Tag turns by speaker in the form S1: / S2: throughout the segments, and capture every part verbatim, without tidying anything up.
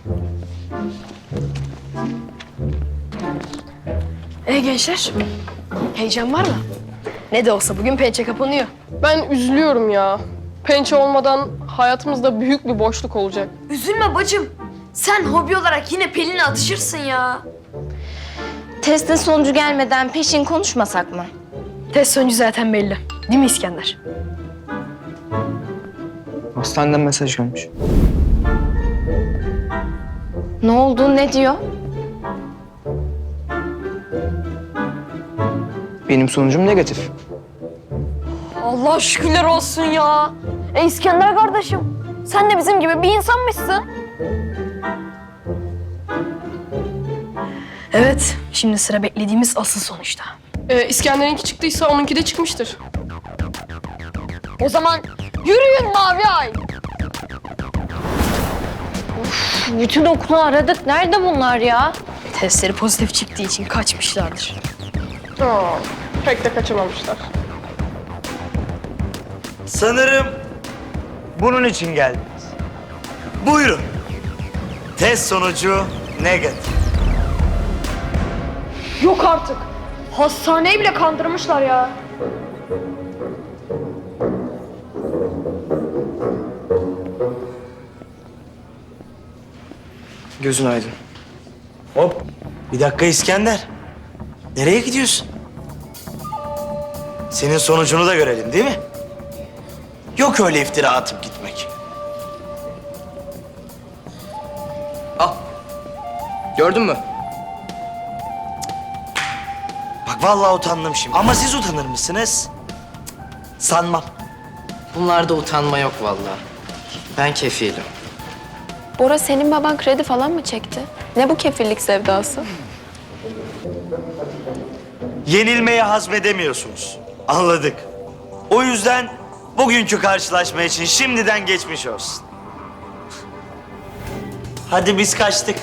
S1: E gençler, heyecan var mı? Ne de olsa bugün pençe kapanıyor.
S2: Ben üzülüyorum ya. Pençe olmadan hayatımızda büyük bir boşluk olacak.
S3: Üzülme bacım. Sen hobi olarak yine Pelin'le atışırsın ya.
S4: Testin sonucu gelmeden peşin konuşmasak mı?
S1: Test sonucu zaten belli. Değil mi İskender?
S5: Hastaneden mesaj gelmiş.
S4: Ne oldu, ne diyor?
S5: Benim sonucum negatif.
S3: Allah şükürler olsun ya. E İskender kardeşim, sen de bizim gibi bir insanmışsın.
S1: Evet, şimdi sıra beklediğimiz asıl sonuçta.
S2: Ee, İskender'inki çıktıysa onunki de çıkmıştır.
S3: O zaman yürüyün Mavi Ay.
S4: Bütün okulu aradık. Nerede bunlar ya?
S1: Testleri pozitif çıktığı için kaçmışlardır.
S2: Aa, pek de kaçamamışlar.
S6: Sanırım bunun için geldiniz. Buyurun. Test sonucu negatif.
S3: Yok artık. Hastaneyi bile kandırmışlar ya.
S5: Gözün aydın.
S6: Hop. Bir dakika İskender. Nereye gidiyorsun? Senin sonucunu da görelim değil mi? Yok öyle iftira atıp gitmek.
S5: Al. Gördün mü?
S6: Bak vallahi utandım şimdi. Ama siz utanır mısınız? Cık, sanmam.
S7: Bunlarda utanma yok vallahi. Ben kefilim.
S8: Bora, senin baban kredi falan mı çekti? Ne bu kefillik sevdası?
S6: Yenilmeyi hazmedemiyorsunuz. Anladık. O yüzden bugünkü karşılaşma için şimdiden geçmiş olsun. Hadi biz kaçtık.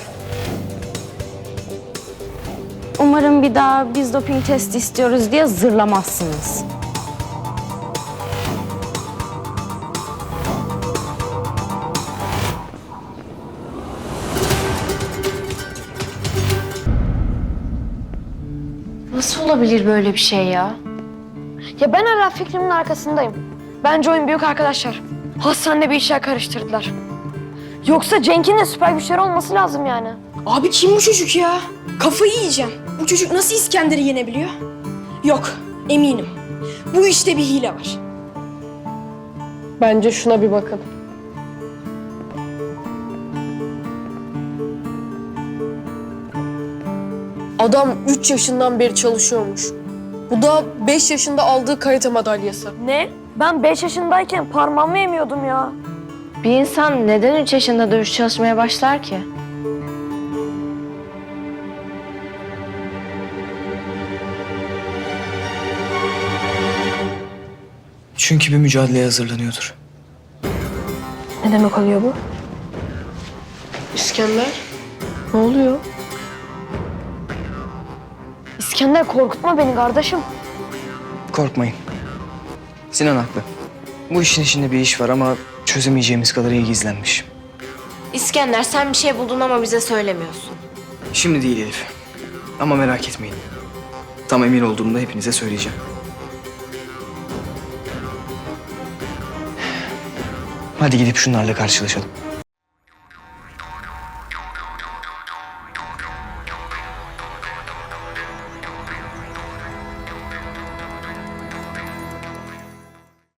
S4: Umarım bir daha biz doping testi istiyoruz diye zırlamazsınız. Nasıl olabilir böyle bir şey ya?
S3: Ya ben hala fikrimin arkasındayım. Bence oyun büyük arkadaşlar. Hastanede bir işler karıştırdılar. Yoksa Cenk'in de süper güçleri olması lazım yani.
S1: Abi kim bu çocuk ya? Kafayı yiyeceğim. Bu çocuk nasıl İskender'i yenebiliyor? Yok, eminim. Bu işte bir hile var.
S2: Bence şuna bir bakın. Adam üç yaşından beri çalışıyormuş. Bu da beş yaşında aldığı karate madalyası.
S3: Ne? Ben beş yaşındayken parmağımı yemiyordum ya.
S4: Bir insan neden üç yaşında dövüş çalışmaya başlar ki?
S5: Çünkü bir mücadeleye hazırlanıyordur.
S1: Ne demek oluyor bu?
S2: İskender, ne oluyor?
S3: İskender korkutma beni kardeşim.
S5: Korkmayın. Sinan haklı. Bu işin içinde bir iş var ama çözemeyeceğimiz kadar iyi gizlenmiş.
S4: İskender, sen bir şey buldun ama bize söylemiyorsun.
S5: Şimdi değil Elif. Ama merak etmeyin. Tam emin olduğumda hepinize söyleyeceğim. Hadi gidip şunlarla karşılaşalım.